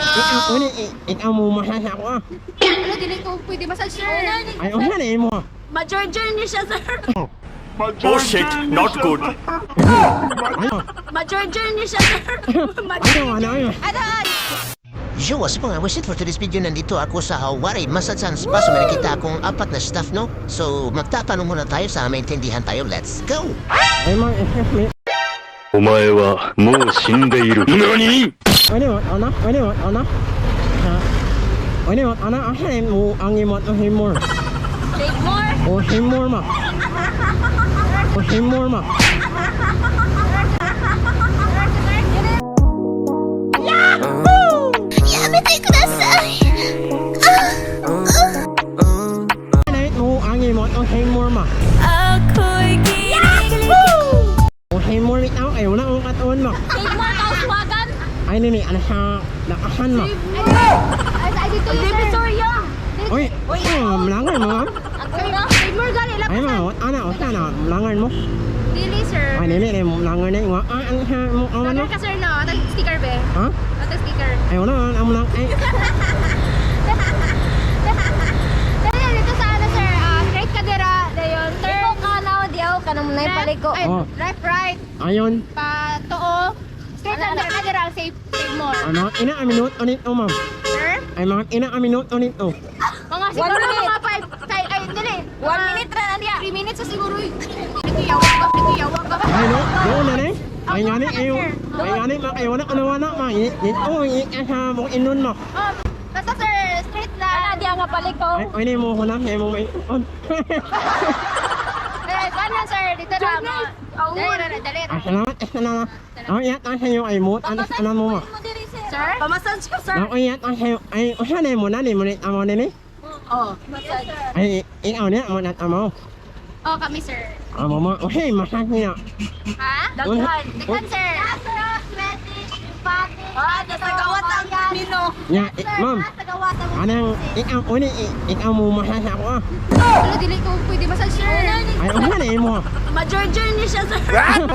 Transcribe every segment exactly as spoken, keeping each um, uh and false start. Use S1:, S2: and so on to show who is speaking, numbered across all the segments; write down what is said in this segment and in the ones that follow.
S1: Ikaw, uni, ikaw mo massage ako ah.
S2: Ano, dili ko pwede massage, sir.
S1: Ay, o yan eh mo.
S2: Ma-Georgian niyo siya, sir.
S3: Oh shit, not good.
S1: Ano?
S2: Ma-Georgian niyo siya, sir.
S1: Ano, ano, ano?
S2: Ano?
S4: Yo, what's up mga wisit for today's video? Nandito ako sa Hawari Massage and Spa. So may nakita akong apat na staff, no? So magtatanong muna tayo sa maintindihan tayo. Let's go!
S1: Ay, mga, excuse me.
S3: お前はもう死んでいる。何？
S1: Ano, ano, ano, ano? Ha? Ano, ano, asan mo ang imot o himor?
S2: Take more.
S1: O himor ma. O himor ma. Ano mo ang imot o himor ma?
S2: Ako'y kinikilig.
S1: O himor ito, ay wala akong katuon ma.
S2: Take more, kauswagan.
S1: Ay, nini, ano siya, nakahan ma.
S2: Ay, ay, dito yun, sir. Sorya.
S1: Uy, oh, malangan mo ma.
S2: Take more, gali.
S1: Ay ma, ano, o sana, malangan mo.
S2: Dili, sir.
S1: Ay, nini, eh, malangan na yung, ah, ano siya, mo, awan mo.
S2: Vlogger ka, sir, no? Tag sticker, be.
S1: Ha?
S2: Tag sticker.
S1: Ay, wala, ang malang, ay,
S2: Dali, dito sa ano, sir. Ah, straight ka dira. Dayon, sir. Ikaw ka na, diyaw ka na muna yung paliko. Ay,
S1: Oh.
S2: left, right.
S1: ayun.
S2: Pa, too. Straight lang dira ka dira. Save, save more.
S1: Ano, ina a minute ulit o ma'am.
S2: Sir?
S1: Ay mga ina a minute ulit o.
S2: Mga siguro mga five, ay, ay, dali. One minute na nandiya. Three minutes sa siguro. Nikiyawag ka, nikiyawag ka.
S1: Ay no, doon na rin. Ay nga ni, ay, ay nga ni, makayo na kanawana ma. Yit o, yit ka sa mong inon mo.
S2: Oh, basta sir, straight lang. Ano, diya nga paliko.
S1: Ay, ay ni mo ko na, ay mo may on.
S2: Eh, kanan sir, dito na. Dali, dali, dali.
S1: Ay, salamat, ay salamat. Ay, yat ang sayo ay moot, ano sa mo ma.
S2: Sir? Pamassage ko, sir.
S1: Ay, yat ang sayo, ay, o siya na mo na, ni mo nit amo nini.
S2: Oh, massage.
S1: Ay, ikaw niya, mo nat amo.
S2: Oh, kami, sir.
S1: Amo mo, o hey, masas niya.
S2: Ha?
S1: Daghan.
S2: Daghan, sir. Ah, nasagawat ang mino.
S1: Nya, eh, ma'am,
S2: Nasagawat ang
S1: anang, ikaw, uni, ikaw mo masas ako ah.
S2: Ano, dili ko pwede massage, sir.
S1: Ay, o siya na mo.
S2: Ma-Georgian niyo siya, sir.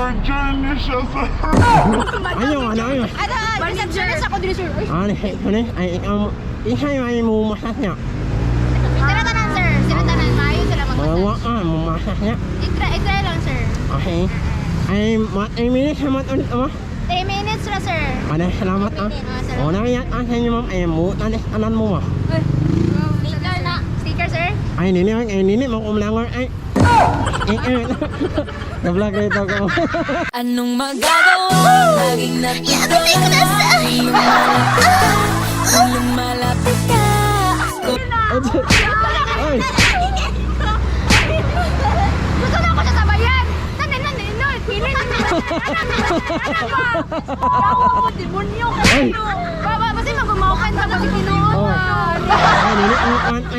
S1: Ayaw, ano, ayaw.
S2: Ano, receptionist ako dili, sir. Uy,
S1: Ano, ano, ay, ikaw mo, ihay ay mo masas niya.
S2: sila tanan, sir. Sila tanan. Maayos sila
S1: Mga
S2: mag-massage.
S1: wa ka, mo masas niya.
S2: I-try, i-try lang, sir.
S1: Okay. Ay, mat, ay, minutes, salamat ulit, ama.
S2: three minutes na, sir.
S1: Ano, salamat, ah. O, nakiyat ang sa inyo, ma'am. Ay, mo, tanis, anan mo, ma.
S2: Sticker na. Sticker, sir?
S1: Ay, nini, ay, ay, nini, mo kumlangor, ay. Ay, ay, na-vlog rito ko.
S5: Anong magagawa? Laging natutunan iyong malapit. Kung lumalapit ka
S1: Ay,
S2: Gusto na ako siya sabayan! Nanay, nanay, nanay! Pili na nila! Ano ba? Tawa ko, demonyo ka
S1: Ay.
S2: ano? Baba, basta mag-umawakan ka pag tinuod.
S1: Oh. ay, nini, ay, ay, ay.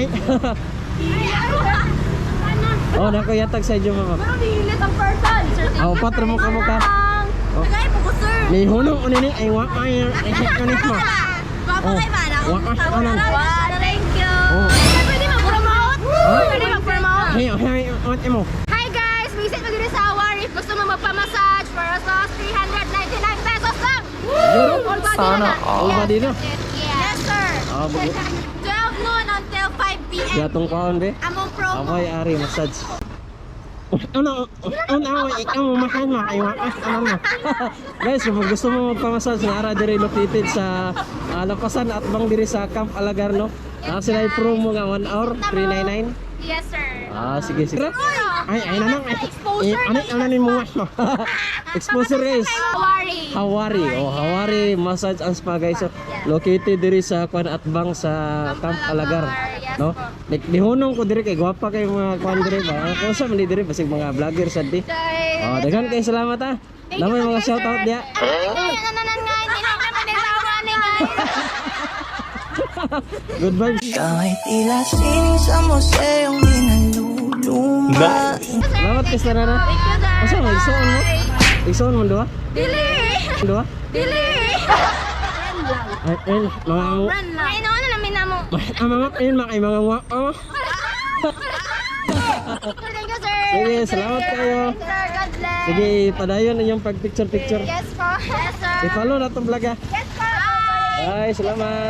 S1: Oh, nakuyatag sa inyo, mama.
S2: Pero nihilit ang person. Sir,
S1: Oh, patro mo ka mo ka. Oh.
S2: Tagay po ko, sir.
S1: Ni hunong, o, nini, ay, wa, ay, ay, ay, kanis mo.
S2: Papa kay Mana.
S1: Wa, ay, anan.
S2: Thank you.
S1: Oh.
S2: Pwede mag-promote? Pwede mag-promote?
S1: Hey, oh, hey, what mo?
S2: Hi guys! Visit mo dito sa Awar. If gusto mo magpa-massage for as low as three hundred ninety-nine pesos lang!
S1: Yun,
S2: All body
S1: sana.
S2: na.
S1: All body na.
S2: Yes, sir!
S1: Ah, bugo.
S2: twelve noon until five p m
S1: Gatong kaon, be.
S2: Among promo.
S1: Amoy, ari, massage. Ano, ano, ikaw mo massage mo, ay wakas, ano mo. Guys, kung gusto mo magpamassage, nara diri located sa uh, Lapasan at bang diri sa Camp Alagarno. Ah, sila yung promo nga one hour, three ninety-nine.
S2: Yes, sir.
S1: Ah, sige, sige. Ay, ay, nanang, ay,
S2: Exposure.
S1: eh, ano, ano ni mo mas mo? Exposure guys.
S2: Hawari.
S1: Hawari, oh, Hawari Massage and Spa guys. So, located diri sa Kwan at Bang sa Camp Alagar. No? Nik dihunong ko diri kay gwapa kay mga kwan diri ba. Kung sa man diri basig mga vlogger sad di. Oh, daghan kay salamat ah. Namay mga shout out dia.
S2: Nananan nga, hindi na kami nilawa ni guys.
S1: Good vibes.
S5: Kahit tila sining sa museong di naluluma.
S1: Salamat kay Sarana.
S2: Thank you, sir.
S1: Asa mo isuon mo? Isuon mo duha?
S2: Dili!
S1: Duha?
S2: Dili!
S1: Ay, ay, mga
S2: Run lang. Ay, ano namin na mo?
S1: ang mga ayun mga ay mga wa. Oh.
S2: Thank you, sir.
S1: Sige, salamat kayo.
S2: Sir, God bless.
S1: Sige, padayon yung pag picture picture.
S2: Yes po. Yes, sir.
S1: I-follow na tong vlog ah.
S2: Yes po. Bye.
S1: Ay, salamat.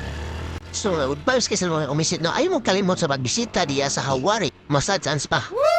S4: So, uh, advice kayo sa mga kumisit, no? Ayaw mo kalimot sa pagbisita diya sa Hawari Massage and Spa.